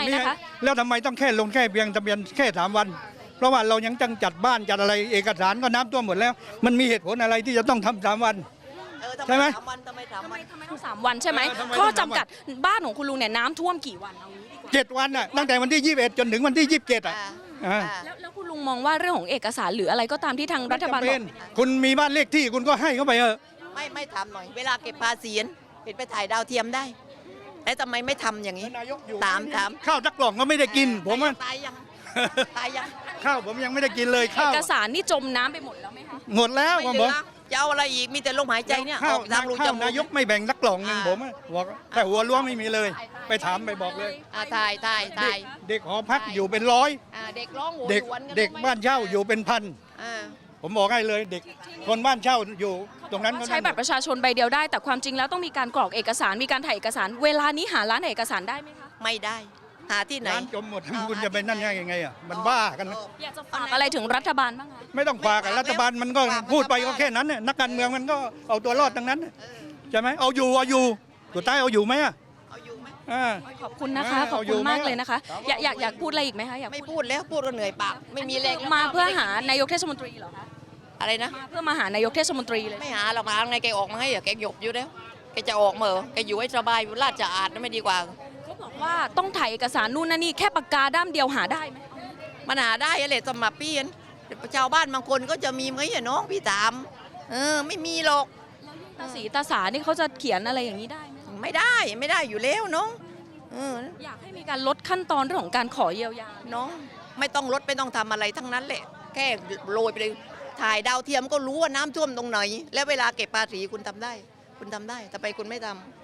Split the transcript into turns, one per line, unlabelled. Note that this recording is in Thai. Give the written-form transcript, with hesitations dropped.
นี้
นะคะ
แล้วทำไมต้องแค่ลงแค่เพียงทะเบียนแค่3 วันเพราะว่าเรายังต้องจัดบ้านจัดอะไรเอกสารก็น้ำท่วมหมดแล้วมันมีเหตุผลอะไรที่จะต้องทำ3 วันใช่ไหม
ทำไม
ต้อง3 วันใช่ไหม
ทำไม
ข้อ
ต้อง
จำ
3 วัน
กัดบ้านของคุณลุงเนี่ยน้ำท่วมกี่วันเอางี้ดีกว่า
7 วันน่ะตั้งแต่วันที่21จนถึงวันที่27อ่ะอ่า
แล้วคุณลุงมองว่าเรื่องของเอกสารหรืออะไรก็ตามที่ทางรัฐบาล
ไม่
บ
จำ
อ
เป็
ก
นคุณมีบ้านเลขที่คุณก็ให้เข้าไปเถอะ
ไม่ทำหน่อย เวลาเก็บภาษีเห็นไปถ่ายดาวเทียมได้แล้วทำไมไม่ทำอย่างนี้
นายกอยู่
ถาม
ข้าวสักกล่องก็ไม่ได้กินผมว่า
ตายยังตายยัง
ข้าวผมยังไม่ได้กินเลย
เอ
ข้าว
กสารนี่จมน้ำไปหมดแล้วไหมคะ
หมดแล้ว
ไม่
ผม
เห
บ
ลื
อก
อจะเอาอะไรอีกมีแต่ลมหายใจเนี่ยอ
ข้าว
อกทางรูจ
ข้าว
มูก
นายกไม่แบ่งสักกล่องหนึ่ง
อ่า
ผมบอกแต่หัวล้วงไม่มีเลย ไปถามไปบอกเลย
ถ่าย
เด็กหอพักอยู่เป็นร้อย
เด็กร้องโหย
เด็ก
หวนน
เด็กบ้านเช่าอยู่เป็นพัน
อ่า
ผมบอกให้เลยเด็กคนบ้านเช่าอยู่ตรงนั้นก็
ใช้บัตรประชาชนใบเดียวได้ แต่ความจริงแล้วต้องมีการกรอกเอกสารมีการถ่ายเอกสาร เวลานี้หาร้านถ่ายเอกสารได้ไหมคะ
ไม่ได้หาที่ไหน
ร้านจมหมดคุณจะไปนั่นยังไงอ่ะมันบ้ากันนะ
อยากจะฝากอะไรถึงรัฐบาลบ้างคะ
ไม่ต้องฝากกับรัฐบาลมันก็พูดไปก็แค่นั้นน่ะนักการเมืองมันก็เอาตัวรอดทั้งนั้นน่ะใช่ไหมเอาอยู่สุดท้ายเอาอยู่ไหมอ่ะ
เอาอยู่ไหม
อ่า
ขอบคุณนะคะ ขอบ
เอาอยู่
คุณมาก
ไหม
เลยนะคะ อยากพูดอะไรอีกไหมคะอยาก
ไม่พูดแล้วพูดก็เหนื่อยปากไม่มีแรงแล้ว
มาเพื่อหานายกเทศมนตรีเหรอคะ
อะไรนะ
มาเพื่อมาหานายกเทศมนตรีเลย
ไม่หาหรอกหาไงแกออกมาให้อะแกหยบอยู่แล้วแกจะออกมาเหรอแกอยู่ให้สบายอยู่ลาดจะอาดไม่ดีกว่า
เขาบอกว่าต้องถ่ายเอกสารนู่นนั่นนี่แค่ปากกาด้ามเดียวหาได้ไหม
มันหาได้อะไรสมัครเปลี่ยนชาวบ้านบางคนก็จะมีไหมอะน้องพี่ถามไม่มีหรอก
ตาสีตาสานี่เขาจะเขียนอะไรอย่างนี้ได้ไหม
ไม่ได้อยู่แล้วน้องเออ
อยากให้มีการลดขั้นตอนเรื่องของการขอเยียวยา
น้องไม่ต้องลดไม่ต้องทำอะไรทั้งนั้นแหละแค่โรยไปเลยถ่ายดาวเทียมก็รู้ว่าน้ำท่วมตรงไหน แล้วเวลาเก็บภาษีคุณทำได้ แต่ไปคุณไม่ทำ